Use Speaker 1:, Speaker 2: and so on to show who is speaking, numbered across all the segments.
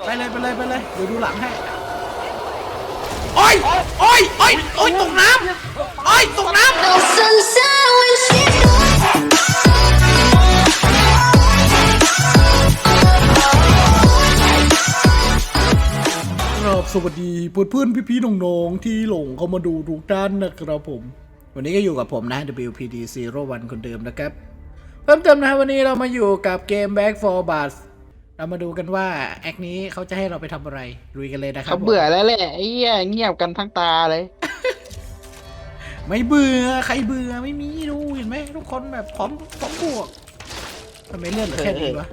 Speaker 1: ไปเลยไปเลยไปเลยเดี๋ยวดูหลังให้โอ้ยโอ้ยโอ้ยโอ้ยตกน้ำโอ้ยตกน้ำสวัสดีเพื่อนๆพี่ๆน้องๆที่หลงเข้ามาดูทุกท่านนะครับผมวันนี้ก็อยู่กับผมนะ WPD01 คนเดิมนะครับเพิ่มเติมนะวันนี้เรามาอยู่กับเกม Back 4 Bus เรามาดูกันว่าแอคนี้เขาจะให้เราไปทำอะไรลุยกันเลยนะครับ
Speaker 2: เขาเบื่อแล้วแหละไอ้เหี้ยเงียบกันทั้งตาเลย
Speaker 1: ไม่เบื่อใครเบื่อไม่มีดูเห็นไหมทุกคนแบบพร้อมบวกทำไมเลื่อนเหลือแค่นี้วะ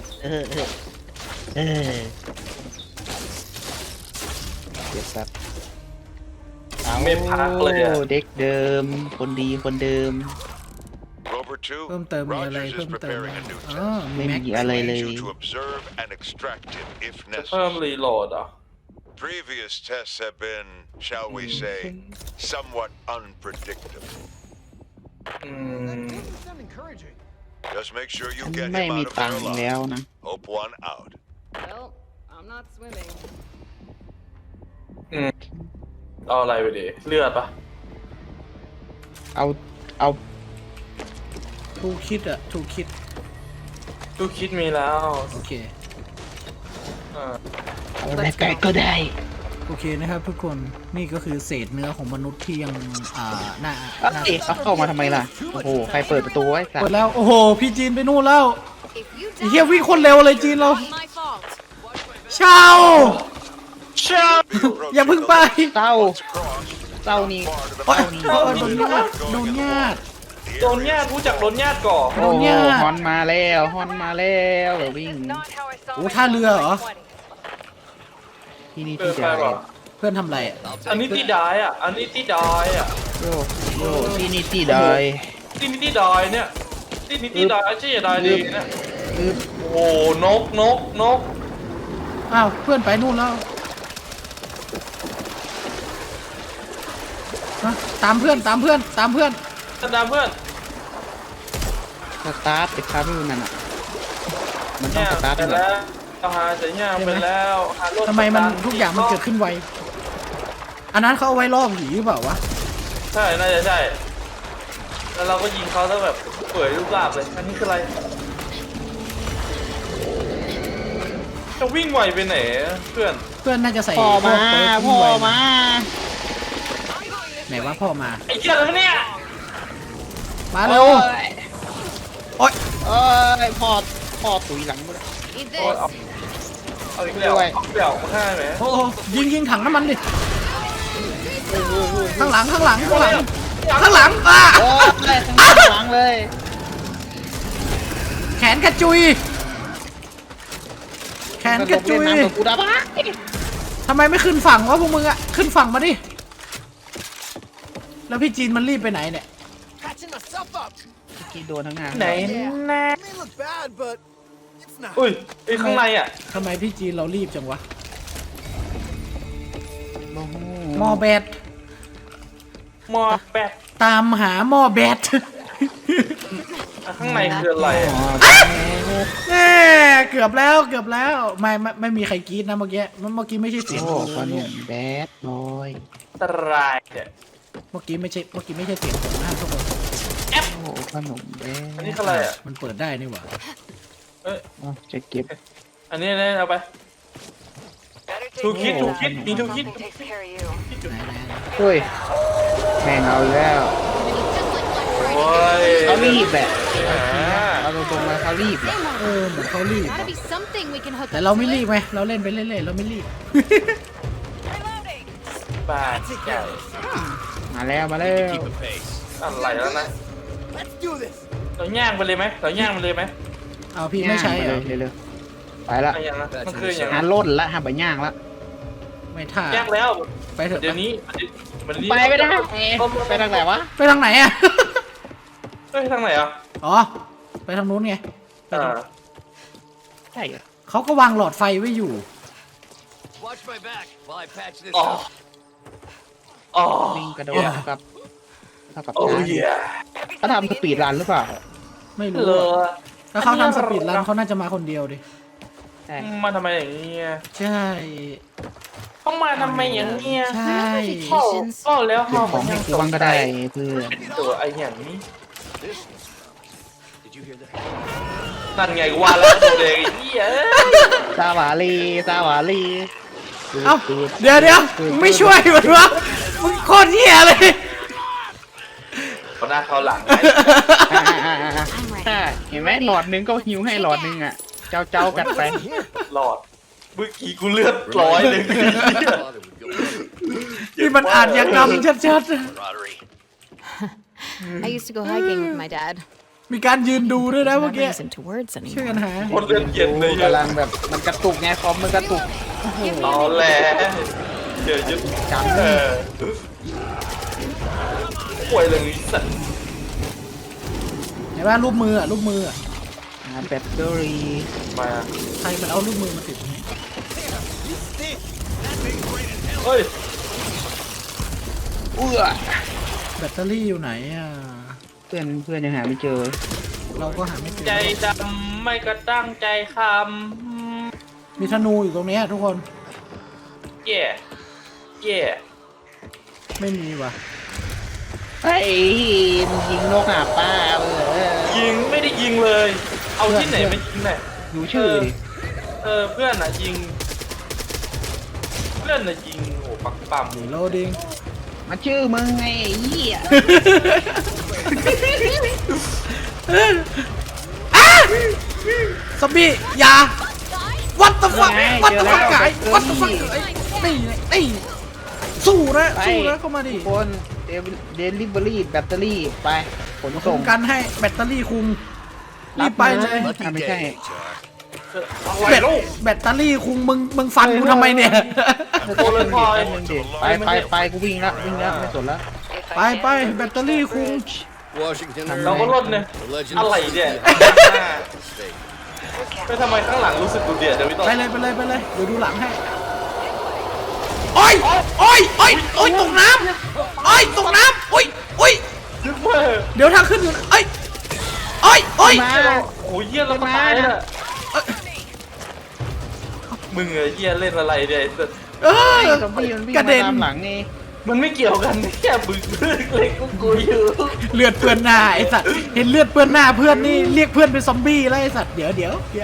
Speaker 2: เดี๋ยวครับ
Speaker 3: ไม่พักเลยอะ
Speaker 2: เด็กเดิมคนดีคนเดิม
Speaker 1: เพิ่มเติมมีอะไรเพิ่มเติมอ๋อ
Speaker 2: ไม่มีอะไรเลย
Speaker 3: จะเพิ่มรีโหลดเหรอ
Speaker 4: Previous tests have been, shall we say, somewhat unpredictable.
Speaker 3: อืม
Speaker 4: Just make sure you
Speaker 2: ฉัน
Speaker 4: get
Speaker 2: ไม่
Speaker 4: him
Speaker 2: มี
Speaker 4: out of
Speaker 2: ตัง
Speaker 4: there
Speaker 2: ค์แล้ว
Speaker 4: alive.
Speaker 2: นะ
Speaker 4: Hope one out.
Speaker 5: Well, I'm not swimming.
Speaker 3: เอาอะไรไปดิเลือดปะ
Speaker 2: เอา
Speaker 1: ถูกคิดอะถูกคิด
Speaker 3: ตู้คิดมีแล้ว
Speaker 1: โอเค
Speaker 3: อ่า
Speaker 2: เอาอะไรไปก็ได้
Speaker 1: โอเคนะครับทุกคนนี่ก็คือเศษเนื้อของมนุษย์ที่ยังหน้า
Speaker 2: เอ้ยเอาเข้ามาทำไมล่ะโอ้โหใครเปิดประตูไว้สัต
Speaker 1: กด
Speaker 2: ว์
Speaker 1: แล้วโอ้โหพี่จีนไปนู่นแล้ว
Speaker 5: If you
Speaker 1: ไอ้เฮียวิ่งคนเร็วเลยจีนเรา
Speaker 5: not my fault.
Speaker 1: เช่า
Speaker 3: เช่า
Speaker 1: อย่าเพึ่งไป
Speaker 2: เศร้า
Speaker 4: Once across,
Speaker 2: เศร้านี่
Speaker 4: part of the
Speaker 1: โอ๊ย
Speaker 4: mountain
Speaker 1: โอ๊ยโดนญาติโดนญาติ
Speaker 3: โดนญาติรู้จักโดนญาติก่อน
Speaker 2: โอ้โหฮอนมาแล้วฮอนมาแล้ววิ่ง
Speaker 5: Not how I saw
Speaker 1: โอ้
Speaker 5: my
Speaker 1: ท่าเรือเหรอ
Speaker 2: ที่นี่
Speaker 3: เกิ
Speaker 2: ที่
Speaker 3: นไป
Speaker 2: ใด
Speaker 3: ป่ะ
Speaker 1: เพื่อนทำอะไรอะ
Speaker 3: อันนี้ที่ดายอ่ะ อันนี้ที่ดายอ่ะ
Speaker 2: โยโยที่นี่ที่ใด
Speaker 3: ที่นี่ที่ดายเนี่ยที่นี่ที่ดายใช่ดายดีเนี่ย
Speaker 2: คือ
Speaker 3: โอ้นกนก
Speaker 1: อ้าวเพื่อนไปนู่นแล้วฮะตามเพื่อนตามเพื่อนตามเพื่อน
Speaker 3: ท่านดามเพื่อน
Speaker 2: สตาร์ทไอ้คารูนั่นอ่ะมันต้อง
Speaker 3: เนี่ย
Speaker 2: สตาร์ท
Speaker 3: ไป
Speaker 2: เหรอ
Speaker 3: แล้วเอาหาเสียงไปแล้วหารถ
Speaker 1: ทำไมมันทุกอย่างมันเกิดขึ้นไวอันนั้นเขาเอาไว้ล่อผีหรือเปล่าวะ
Speaker 3: ใช่น่าจะใช่แล้วเราก็ยิงเขาแล้วแบบเปื่อยรูปร่างเลยอันนี้คืออะไรจะวิ่งไวไปไหนเพื่อน
Speaker 1: เพื่อนน่าจะใส่
Speaker 2: พ่อมา
Speaker 1: พวกเปิร์ก
Speaker 2: พ่อ
Speaker 1: วิ่งไว
Speaker 2: มา
Speaker 1: ไหนว่าพ่อมา
Speaker 3: ไอ้เจ้าเนี่ย
Speaker 1: มาเร็วโอ๊ย
Speaker 2: เอ้ยพ่อตุยหลังหมดเลย
Speaker 5: Need
Speaker 3: โอ้ย
Speaker 5: this.
Speaker 3: เอาอีกแล้วเอาอีกแล้วมาฆ่าไหม
Speaker 1: โอ้โหยิงถังน้ำมันดิข้างหลังข้างหลังข้างหลังข้างหลังอ่ะ
Speaker 2: โอ้ยทั้งหลังเลย
Speaker 1: แขนกระจุยแขนกระจุย
Speaker 2: เล่นน้ำกับกูได้ปะ
Speaker 1: ทำไมไม่ขึ้นฝั่งวะพวกมึงอะขึ้นฝั่งมาดิแล้วพี่จีนมันรีบไปไหนเนี่ย
Speaker 2: กี่โดนทั้งงาน
Speaker 3: ไหนแน่
Speaker 6: may look bad, but it's not.
Speaker 3: อุ้ยไอ้ข้างในอ่ะ
Speaker 1: ทำไมพี่จีนเรารีบจังวะ
Speaker 2: โอ้โห
Speaker 1: หม้อแบต
Speaker 3: มอแปด
Speaker 1: ตามหาหม้อแบต
Speaker 3: ข้างในคืออะไรอะ
Speaker 1: แน่เกือบแล้วเกือบแล้วไม่มีใครกรี๊ดนะเมื่อกี้ไม่ใช่เสียง
Speaker 2: โอ้
Speaker 1: ผม
Speaker 2: ขน
Speaker 1: เนี่ย
Speaker 2: มแบดบอย
Speaker 3: ตรายเนี่ย
Speaker 1: เมื่อกี้ไม่ใช่เสียงผมนะทุกคน
Speaker 2: โอ้ขนมแบด
Speaker 3: อันนี้คืออะไรอ่ะ
Speaker 1: มันเปิดได้นี่หว่า
Speaker 3: เอ้ย
Speaker 2: อ๋อจะเก็บ
Speaker 3: อันนี้เอาไป ถูกคิดมีถูกคิด
Speaker 5: Something takes care of you.
Speaker 1: ไหน
Speaker 2: เฮ้ยแม่งเอาอีกแล้ว
Speaker 3: โอ้ย
Speaker 2: เขารีบแหละ
Speaker 3: อ่า
Speaker 2: เอาตรงๆเลยเขารีบแหละ
Speaker 1: เหมือนเขารีบ
Speaker 5: Gotta be something we can hook
Speaker 1: แต่
Speaker 5: up
Speaker 1: เราไม่
Speaker 5: to
Speaker 1: รี
Speaker 5: it.
Speaker 1: บไงเราเล่นไปเรื่อยๆเราไม่รีบ
Speaker 3: บ้าใหญ่
Speaker 2: มาแล้วมาแล้ว
Speaker 3: อะไรแล้วนะ
Speaker 6: Let's do this.
Speaker 3: เราย่างไปเลยไหมเราย่างไปเลยไหม
Speaker 1: เอาพี่ไม่ใช่เหรอ
Speaker 2: เร็วๆไปละ
Speaker 3: อะไรอย่างนั้นมันคืออย่าง
Speaker 2: หา
Speaker 3: นั้น
Speaker 2: ล่นละหาใบย่างละ
Speaker 1: ไม่ท่า
Speaker 3: ย่างแล้ว
Speaker 1: ไปเถอะ
Speaker 3: เดี๋ยวนี้มันนี้
Speaker 2: ไปไม่ได้ไปทางไหนวะ
Speaker 1: ไปทางไหนอะ
Speaker 3: เฮ้ยทางไหนอ่ะ
Speaker 1: อ๋อไปทางนู้นไง
Speaker 3: อ่า
Speaker 2: ใช่เหรอ
Speaker 1: เขาก็วางหลอดไฟไว้อยู่
Speaker 6: Watch my back while I patch this
Speaker 3: อ๋อ
Speaker 6: up.
Speaker 3: อ๋อ
Speaker 2: วิ่งกระโดดเท่ากับ
Speaker 3: โอ้ย
Speaker 2: เขาทำสปีดรันหรือเปล่า
Speaker 1: ไม่รู้
Speaker 3: เล
Speaker 1: อะ
Speaker 3: อ
Speaker 1: ถ้าเขาทำสปีดรันเขาน่าจะมาคนเดียวดิ
Speaker 2: ใช่ช่
Speaker 3: มาทำไมอย่างเงี้ย
Speaker 1: ใช่
Speaker 3: ต้องมาทำไมอย่างเงี้ย
Speaker 1: ใช่
Speaker 3: ก็แล้ว
Speaker 2: เก็บ
Speaker 3: เขา
Speaker 2: ของให้กูบ้างก็ได้เพื่อน
Speaker 3: ตัวไอ้อย่างนี้
Speaker 6: Did you hear that?
Speaker 3: นั่นไงกูว่าแล้วตัวเด็กไอ้เหี้ย
Speaker 2: ซาหวาลีซาหวาลี
Speaker 1: เอ้าเดี๋ยวมึงไม่ช่วยมันวะมึงโคตรเหี้ยเลย
Speaker 3: เขาหน้าเขาหลังไง
Speaker 2: เห็นไหมหลอดนึงก็หิวให้หลอดนึงอ่ะ เจ้ากันไป
Speaker 3: หลอดเมื่อกี้กูเลือด100เลย
Speaker 6: Father would go.
Speaker 1: นี่มันอาจยากรรมชัด
Speaker 6: Camaraderie.
Speaker 5: I used to go hiking with my dad.
Speaker 1: ๆมีการยืนดูด้วยนะเมื่อ
Speaker 5: Never
Speaker 1: กี้
Speaker 5: use into words
Speaker 1: ช่วย
Speaker 5: anymore.
Speaker 1: กันหา
Speaker 3: คนเลือดเย็นเลย
Speaker 2: กำลังแบบมันกระตุกไงคอมมันกระตุก
Speaker 3: ตอแหลเดี๋ยวยึด
Speaker 2: จัง
Speaker 3: ป่วยเลยสัตว์
Speaker 1: เห็นป่ะรูปมืออ่ะรูปมืออ่ะ
Speaker 2: แบตเตอรี่
Speaker 3: มา
Speaker 1: ใครมันเอารูปมือมาติด
Speaker 3: เฮ้ย
Speaker 2: เอื้อ
Speaker 1: แบตเตอรี่อยู่ไหนอ่ะ
Speaker 2: เพื่อนยังหาไม่เจอ
Speaker 1: เราก็หาไม่เจอ
Speaker 3: ใจดำไม่กระตั้งใจค
Speaker 1: มีธนูอยู่ตรงเนี้ยทุกคน
Speaker 3: ำเย่เย่
Speaker 1: ไม่มีว่ะ
Speaker 2: เฮ้ยมึงยิงนกหาป้า
Speaker 3: ยิงไม่ได้ยิงเลย เอาที่ไหนมายิงเนี่ย
Speaker 2: ดูชื่อดิ
Speaker 3: เพื่อนอ่ะยิง เพื่อนอ่ะยิงโอ้ปักปั๊ม
Speaker 1: หนีโลดิง
Speaker 2: มันชื่อมึงไงไอ้เหี้ย
Speaker 1: ซอมบี้อย่า What the fuck What the fuck ไก่ What the fuck นี่สู้นะเข้ามาดิ
Speaker 2: คนเดลิเวอรี่แบตเตอรี่ไปขน
Speaker 1: ส่
Speaker 2: ส่
Speaker 1: ง
Speaker 2: ง
Speaker 1: กันให้แบตเตอรี่คุงรีบไปเลย
Speaker 6: Lucky
Speaker 2: ไม่ใช่
Speaker 6: day, Jack.
Speaker 3: อะไรลูก
Speaker 1: แบตเตอรี่คุงมึงฟันกูทำไมเนี่ย
Speaker 3: โตเลยพอย
Speaker 2: ไปกูวิ่งแล้วไม่สนแล้ว
Speaker 1: ไปแบตเตอรี่คุง
Speaker 6: Washington.
Speaker 3: เราก็ลดเนี่ย
Speaker 6: The legend
Speaker 3: อะไร
Speaker 6: of
Speaker 3: เนี่ย
Speaker 6: Mistake.
Speaker 3: ไม่ทำไมข้างหลังรู้สึกดูเดือดเดี๋ยวพี่ต้น
Speaker 1: ไปเลยเดี๋ยวดูหลังให้โอ้ยตกน้ำตกน้ำโอ้ย
Speaker 3: ยึดเมื่อ
Speaker 1: เดี๋ยวทางขึ้นอยู่โอ้ย
Speaker 3: โอ้ยเยี่ยเราก็ตายแล้วมึงไอ้เยี่ยเล่นอะไรเนี่ย
Speaker 1: เออ
Speaker 2: ซอมบี้มันวิ่ง
Speaker 1: กระ
Speaker 2: มา
Speaker 1: เด็น
Speaker 2: ตามหลังนี่
Speaker 3: มันไม่เกี่ยวกันแค่บึ้งเล็กกูอยู่
Speaker 1: เลือดเปื้อนหน้าไอสัตว์เห็นเลือดเปื้อนหน้าเพื่อนนี่เรียกเพื่อนเป็นซอมบี้แล้วไอสัตว์เดี๋ยว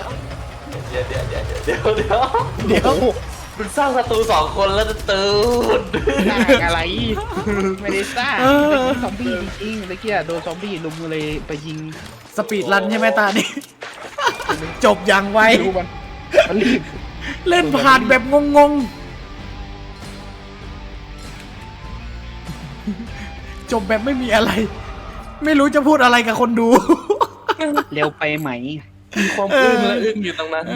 Speaker 3: มึงสร้างศัตรู2 คนแล้วจะตื่น
Speaker 2: สร้างอะไรไม่ได้สร้างซอมบี้จริงๆเมื่อกี้โดนซอมบี้ลุมเลยไปยิง
Speaker 1: สปีดรันใช่ไหมตานี่ จบอย่างไว
Speaker 2: ดูมันรีบ
Speaker 1: เล่นผ่านแบบงงจบแบบไม่มีอะไร ไม่รู้จะพูดอะไรกับคนดู
Speaker 2: เร็วไปไหม
Speaker 3: มีความอึ้งและอึ้งอยู่ตรงนั้น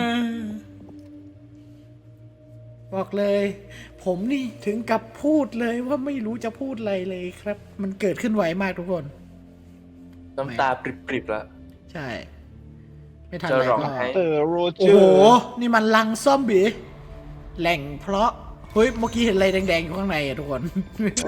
Speaker 1: บอกเลย ผมนี่ถึงกับพูดเลยว่าไม่รู้จะพูดอะไรเลยครับ มันเกิดขึ้นไวมากทุกคน
Speaker 3: น้ำตาปริบๆแล้ว
Speaker 1: ใช่ ไม่ทัน
Speaker 3: จะ
Speaker 1: ไร
Speaker 3: ร้อง
Speaker 1: ก็
Speaker 3: ไห้
Speaker 2: โรเจ
Speaker 1: โอ้
Speaker 2: อ
Speaker 1: โห
Speaker 2: ร์
Speaker 1: นี่มันลังซอมบี้แหล่งเพราะ เฮ้ย เมื่อกี้เห็นอะไรแดงๆอยู่ข้างในอะทุกคน
Speaker 2: โอ้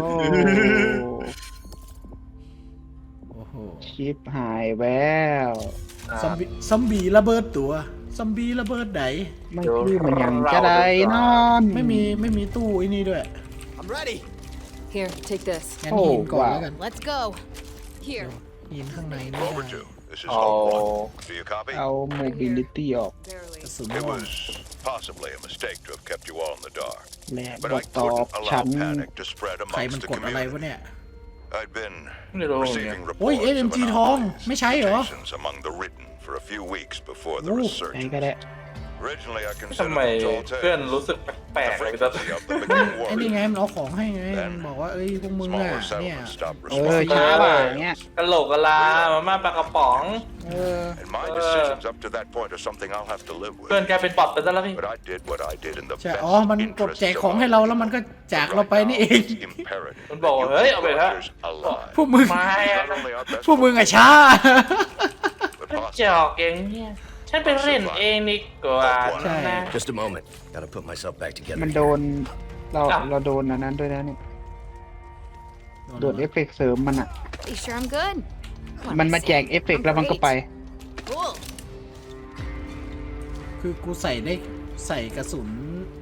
Speaker 1: โอ้โห
Speaker 2: ชิปหายแล้ว
Speaker 1: ซอมบี้ระเบิดตัว ซอมบี้ระเบิดไหน
Speaker 2: ไม่ชื่อมันยังจะได้นอน
Speaker 1: ไม่มีตู้ไอ้นี่ด้วย
Speaker 6: I'm ready.
Speaker 5: Here, take this.
Speaker 1: งั้นหินก่อนแล้วกัน
Speaker 5: Let's go. Here.
Speaker 1: หินข้างในไม่ได้
Speaker 4: Overdue. This is
Speaker 3: Oh.
Speaker 4: Longboy. Do you copy?
Speaker 2: เอาโมบิลิตี้ออก
Speaker 5: Barely.
Speaker 1: กระสุน
Speaker 4: It
Speaker 1: ม่วง
Speaker 4: was possibly a mistake to have kept you all in the dark.
Speaker 2: และบ
Speaker 4: But
Speaker 2: อ
Speaker 4: I
Speaker 2: กตอบ
Speaker 4: couldn't
Speaker 2: ฉั
Speaker 4: allow
Speaker 2: น
Speaker 4: panic to spread
Speaker 1: ใครมัน
Speaker 4: amongst the
Speaker 1: กดอะไรวะ
Speaker 4: community.
Speaker 1: เนี่ย
Speaker 4: I'd been
Speaker 3: ไม่รู้
Speaker 4: receiving
Speaker 1: โอ้ย
Speaker 4: reports of
Speaker 1: AMG ทอง
Speaker 4: anomalies
Speaker 1: ไม่ใช่เหรอ
Speaker 4: mutations among the written for a few weeks before the
Speaker 1: โอ้
Speaker 2: ไหนก็
Speaker 4: resurgence.
Speaker 2: ได้
Speaker 4: Originally, I
Speaker 3: ทำ
Speaker 4: considered
Speaker 3: ไม
Speaker 4: them tall
Speaker 3: เพื่อน
Speaker 4: tales.
Speaker 3: รู้สึกแปล
Speaker 4: The
Speaker 3: กๆเลยพี่ต้น
Speaker 4: frequency of them became
Speaker 1: ไอ้นี่ไง
Speaker 4: worrying.
Speaker 1: มันเอาของให้ไงมันบอกว่าเอ้ยพวกมึงอ่ะ
Speaker 4: Smaller
Speaker 1: เนี่ย
Speaker 4: settlements stopped
Speaker 2: ช้า
Speaker 4: responding.
Speaker 2: ป่ะอย่างเงี้ย
Speaker 3: กะโหลกกะลามาม่าปลากระป๋อง
Speaker 4: And my decisions up to that point are something I'll have to live
Speaker 3: เพื่อน
Speaker 4: with.
Speaker 3: กลายเป็นบอทไปซะแล้วพี่
Speaker 4: But I did what I did in the
Speaker 1: ใช่
Speaker 4: best
Speaker 1: อ๋อ มันกด
Speaker 4: interests
Speaker 1: แจก
Speaker 4: of
Speaker 1: ของให้
Speaker 4: our
Speaker 1: เราแล้วมันก็จากเราไปนี่เอง
Speaker 4: It's imperative
Speaker 3: มันบอกว่า
Speaker 4: that you
Speaker 3: เฮ้ย
Speaker 4: keep
Speaker 3: เอาไปเถอะ
Speaker 4: Rogers alive.
Speaker 1: พวกมึง
Speaker 3: ไม่อะ
Speaker 4: Not only our best
Speaker 1: พวกมึงอ่ะช้า
Speaker 4: but
Speaker 3: จอ
Speaker 4: possibly
Speaker 3: กเองเนี่ยฉันไปเล่นเองดีกว่า
Speaker 1: ใช่
Speaker 3: นะ
Speaker 6: Just a moment. Gotta put myself back together.
Speaker 2: มันโดนเราโดนอันนั้นด้วยนะเนี่ยโดนเอฟเฟกต์เสริมมันอ่ะ
Speaker 5: You sure I'm good?
Speaker 2: มันมาแจกเอฟเฟกต์แล้วมันก็ไป
Speaker 5: Cool.
Speaker 1: คือกูใส่กระสุน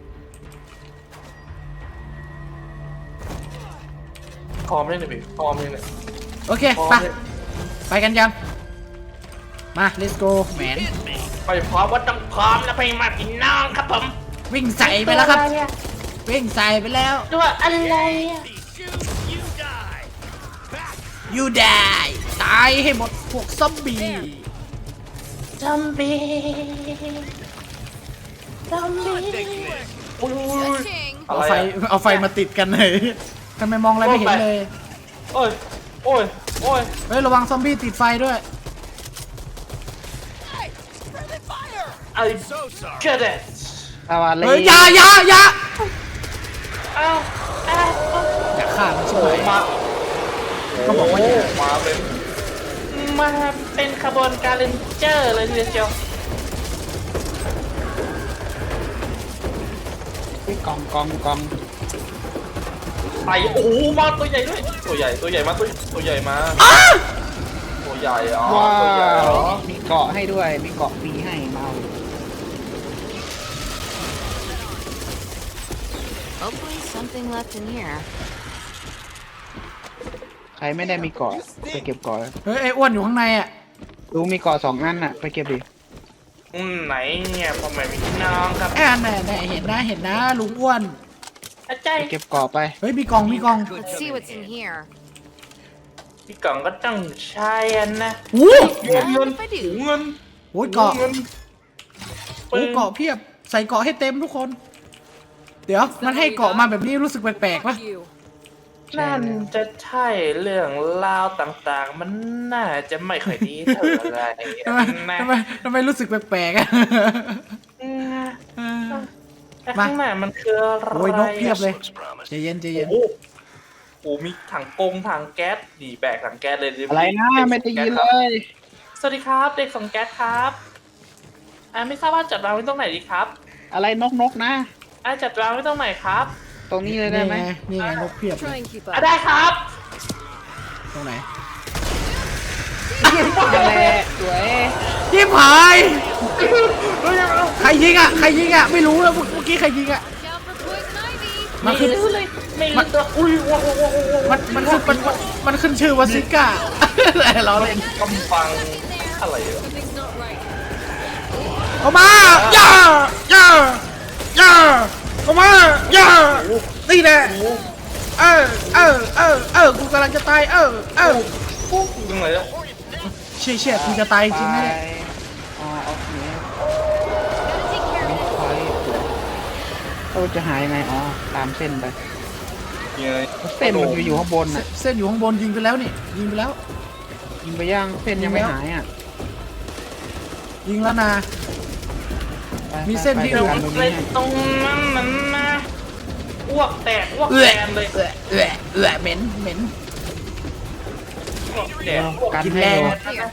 Speaker 3: พร้อมเลยเนี่ยพี่พร้อมเลยเนี่ย
Speaker 1: โอเค
Speaker 3: พร้อม
Speaker 1: ไป
Speaker 3: เลย
Speaker 1: ไปกันยัง มา let's go แมน
Speaker 3: ไปพร้อมว่าต้องพร้อมแล้วไปมาพี่น้องครับผม
Speaker 1: วิ่งใส่ไปแล้วครับ วิ่งใส่ไปแล้ว
Speaker 3: ตัวอะไรอะ
Speaker 1: you die ตายให้หมดพวกซอมบี้
Speaker 3: ซอมบี้ซอมบี้อุ้ย
Speaker 5: King.
Speaker 3: อะไร
Speaker 1: เอาไฟ
Speaker 3: อะ
Speaker 1: มาติดกันเลยทำไมมองอะไรไม่เห็นเลย
Speaker 3: โอ้ยโอ้ยโอ้ย
Speaker 1: เฮ้ย ระวังซอมบี้ติดไฟด้วย
Speaker 3: ไอ้เชื่อเด็ด
Speaker 2: เอาอะไร
Speaker 1: เฮ้ยอย่า
Speaker 3: อ้าวอ้าว
Speaker 1: อย่าฆ่ามันใช่
Speaker 3: โอ้
Speaker 1: ไหม
Speaker 3: ยมา
Speaker 1: ก็บอกว่าอย่า
Speaker 3: มาเป็นขบวนการเรนเจอร์เลยทีเดียว
Speaker 2: กอง
Speaker 3: ไอ้โอ้โหมาตัวใหญ่ด้วยตัวใหญ่มาตัวใหญ่มาตัวใหญ่อ๋อ
Speaker 2: ว้า
Speaker 3: ตัวใหญ่
Speaker 2: ว
Speaker 3: อ๋อ
Speaker 2: มีเกาะให้ด้วยมีเกาะฟรีให้เมา
Speaker 5: Hopefully something left in here.
Speaker 2: ใครไม่ได้มีเกาะไปเก็บเกาะ
Speaker 1: เฮ้ย ไอ้อ้วนอยู่ข้างในอ่ะ
Speaker 2: ลุงมีเกาะ2 อันน่ะไปเก็บดิ
Speaker 3: ไหนเนี่ยพ่อแม่พี่น้องครับ
Speaker 1: น่ะเห็นนะลุงอ้วน
Speaker 3: อาจาร
Speaker 2: ไป
Speaker 3: ย์
Speaker 2: เก็บเกาะไป
Speaker 1: เฮ้ย มีกล่อง
Speaker 5: Let's see what's in here.
Speaker 3: พี่กล่องก็ต้องใช้อันนะ
Speaker 1: โอ้
Speaker 3: เงิน
Speaker 5: If I do.
Speaker 3: เงิน
Speaker 1: โหเกาะ
Speaker 3: เงิน
Speaker 1: โอ้เกาะเพียบ ใส่เกาะให้เต็มทุกคน เดี๋ยว มันให้เกาะมาแบบนี้รู้สึกแปลกๆปะ
Speaker 3: นั่นจะใช่เรื่องราวต่างๆ มันน่าจะไม่ค่อยดีเท่าไหร่
Speaker 1: ทำไมรู้สึกแปลกๆอ่ะ
Speaker 3: แต่ข้างหน้ามันคืออะไร
Speaker 1: โอ้ยนกเพียบเลย
Speaker 6: Looks promising.
Speaker 1: ใจเย็น
Speaker 3: โอ้โหมีถังถังแก๊สดีแบกถังแก๊สเลยดิ
Speaker 2: อะไรนะไม่ได้ยินเลย
Speaker 3: สวัสดีครับเด็กส่งแก๊สครับไม่ทราบว่าจัดวางไว้ตรงไหนดีครับ
Speaker 2: อะไรนกนะ
Speaker 3: จัดวางไว้ตรงไหนครับ
Speaker 2: ตรงนี้เลยได้
Speaker 1: นี่
Speaker 2: ไหม
Speaker 1: ไงนี่ไงนกเพียบเลย
Speaker 5: Try and keep up.
Speaker 3: ได้ครับ
Speaker 1: ตรงไหน
Speaker 2: นั่นแหละสวย
Speaker 1: ยิบหายใครยิงอ่ะ ไม่รู้แล้วเมื่อกี้ใครยิงอ่ะ
Speaker 5: Down for poison ivy.
Speaker 1: มันขึ้น
Speaker 3: ไม่ตัวอุ้ยว้าว
Speaker 1: มันขึ้นชื่อว่าซิก้าเราเล่น
Speaker 3: กำฟังอะไรอ่ะ
Speaker 5: Something's not right.
Speaker 1: เอามาย่าเอามาย่านี่แหละกูกำลังจะตาย
Speaker 3: ปุ๊บยังไงแล้ว
Speaker 1: เชี่ยกูจะตายจริง
Speaker 2: ไป
Speaker 1: แน่
Speaker 2: อ๋อโอเค
Speaker 5: Gotta take care of it.
Speaker 2: เราจะหายยังไงอ๋อตามเส้นไป
Speaker 3: ยังไง
Speaker 2: เส้นมันอยู่ข้างบนน่ะ
Speaker 1: เส้นอยู่ข้างบนยิงไปแล้วนี่ยิงไปแล้ว
Speaker 2: ยิงไปย่างเส้นยังไม่หายอ่ะ
Speaker 1: ยิงแล้วนะ
Speaker 2: ไป
Speaker 1: มีเส้นที่
Speaker 2: ไป
Speaker 3: เรา
Speaker 2: ไปกันตรง
Speaker 3: เล
Speaker 2: นี้
Speaker 3: ย
Speaker 2: ให้
Speaker 3: ตรงนั้นนะอ้วกแตกอ้วกแตนเลย
Speaker 1: เหม็น
Speaker 3: อ้วกแตกอ้วก
Speaker 2: กัน
Speaker 1: กิน
Speaker 2: ให้
Speaker 1: แรง
Speaker 2: ดู
Speaker 5: Here.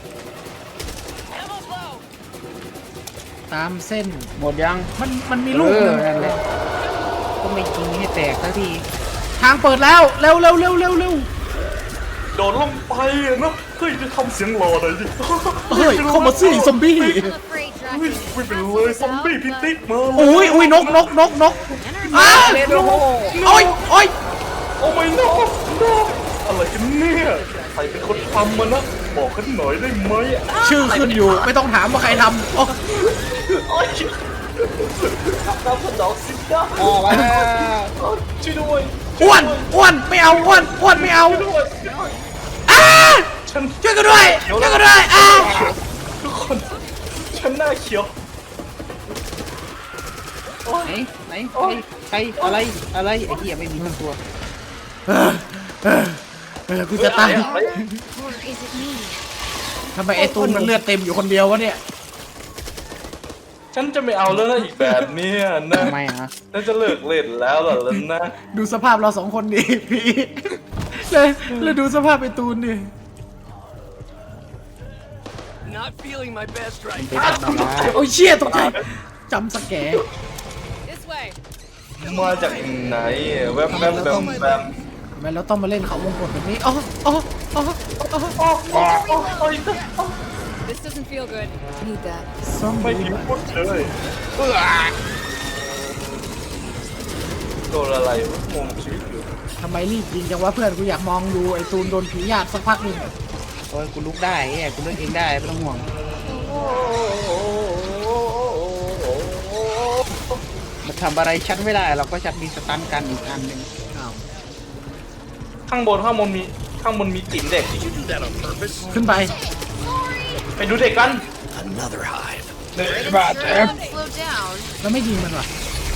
Speaker 1: ตามเส้น
Speaker 2: หมดยัง
Speaker 1: มันมีลูกหนึ่ง
Speaker 2: นั่นแหละก็ไม่ยิงให้แตกสักที
Speaker 1: ทางเปิดแล้วเร็ว
Speaker 3: โดนลงไปอะเนาะเฮ้ยจะทำเสียงหล่อหน่อยดิ
Speaker 1: เฮ้ยเข้ามาสิซอมบี้
Speaker 5: I'm afraid
Speaker 3: เฮ้ย
Speaker 5: Draken
Speaker 3: ไม่เป็นเลยซอมบี้พิติกมาเลย
Speaker 1: อุ้ยนกอ้า
Speaker 2: เล่นโอ้โห
Speaker 1: โอ้ย
Speaker 3: โอ้ไม่นกอะไรกันเนี่ยใครเป็นคนทำมันนะบอกกันหน่อยได้ไหม
Speaker 1: ชื่อขึ้นอยู่ไม่ต้องถามว่าใครทำโอ้
Speaker 3: โอ้ยน้ำขนมสิจ้า
Speaker 2: ออกมาแล้ว
Speaker 3: ช่วยด้วย
Speaker 1: อ้วนไม่เอาอ้วนไม่เอา
Speaker 3: ช่วยด้วย
Speaker 1: อ้า
Speaker 3: ฉัน
Speaker 1: ช่วยกันด้วยอ้า
Speaker 3: ทุกคนฉันหน้าเขียว
Speaker 2: ไหนใครอะไรไอ้เหี้ยไม่มีทั้งตัว
Speaker 1: กูจะตาย
Speaker 5: Or is it me?
Speaker 1: ทำไมไอ้ตูนมันเลือดเต็มอยู่คนเดียววะเนี่ย
Speaker 3: ฉันจะไม่เอาแล้วนะอีกแบบเนี้ยนะ
Speaker 2: ทำไมอ่ะ
Speaker 3: ฉันจะเลิกเล่นแล้วเหรอล่ะนะ
Speaker 1: ดูสภาพเราสองคนดิพี่เลยดูสภาพไอ้ตูนดิ
Speaker 6: Not feeling my best right
Speaker 2: ไปทำอะไร
Speaker 1: โอ้ยเชี่ยตกใจจำสแกร์
Speaker 5: This way.
Speaker 3: มาจากไหนแวบ
Speaker 1: ทำไมเราต้องมาเล่นเขาวงกตแบบนี้อ๋อ
Speaker 3: โอ้ย
Speaker 5: This doesn't feel good. Need that.
Speaker 1: ซ่อม
Speaker 3: ไม่
Speaker 1: บู
Speaker 3: พิม
Speaker 1: ท
Speaker 3: พ์พูดเลยโดนอะไรวะงงชีวิตอยู่
Speaker 1: ทำไมรีบยิงจังวะเพื่อนกูอยากมองดูไอ้ตูนโดนผีหยาดสักพักหนึ่ง
Speaker 2: โอ้ยกูลุกได้ไอ้กูลุกเองได้ไม่ต้องห่วงมันทำอะไรฉันไม่ได้เราก็ฉันมีสตันกันอีกอันหนึ่ง
Speaker 1: อ้าว
Speaker 3: ข้างบนมีจิ๋มเด็ก
Speaker 6: Did you do that on purpose?
Speaker 1: ขึ้นไป
Speaker 3: ไปดูเด็กกัน
Speaker 6: Another hive.
Speaker 5: Slow down.
Speaker 1: แล้วไม่ยิงมันวะ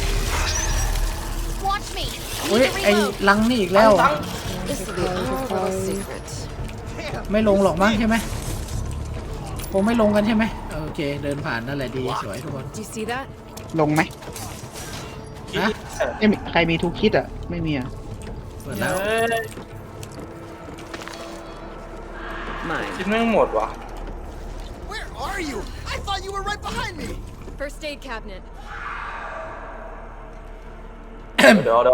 Speaker 5: Watch me.
Speaker 1: เฮ้ยไอ้ลังนี่อีกแล้ว
Speaker 3: ตั้ง
Speaker 5: This will be our little secret.
Speaker 1: ไม่ลงหรอกมั้งใช่ไหมคงไม่ลงกันใช่ไหมโอเคเดินผ่านนั่นแหละดีสวยทุกคน
Speaker 5: Do you see that?
Speaker 2: ลงไหม
Speaker 1: ฮะ
Speaker 2: ไม่มีใครมีทุกคิดอ่ะไม่มีอ่ะ
Speaker 1: เปิดแล้ว
Speaker 5: Mine.
Speaker 3: คิดไม่หมดวะ
Speaker 6: Where are you? I thought you were right behind me.
Speaker 5: First aid cabinet.
Speaker 3: เดี๋ยว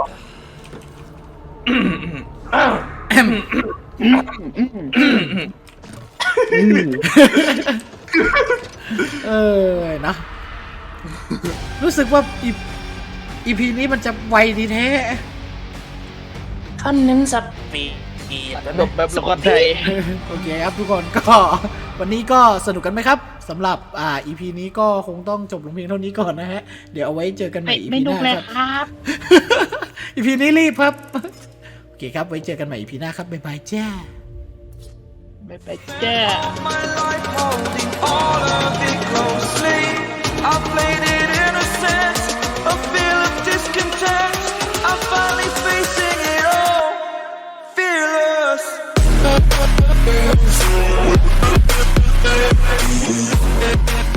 Speaker 1: เออนะรู้สึกว่าอีพีนี้มันจะไวดีแท้
Speaker 3: ท่านนึงสับปีแล้ว
Speaker 2: จบแบบสกอตไทย
Speaker 1: โอเคครับทุกคนก็วันนี้ก็สนุกกันไหมครับสำหรับEP นี้ก็คงต้องจบลงเพียงเท่านี้ก่อนนะฮะเดี๋ยวเอาไว้เจอกันใหม่ EP หน้าครับ EP นี้รีบครับโอเคครับไว้เจอกันใหม่ EP หน้าครับบ๊ายบายจ้า
Speaker 2: ไปแจ้
Speaker 7: my life holding all of it closely. I played it innocent, a feel of discontent. I'm finally facing it all, fearless.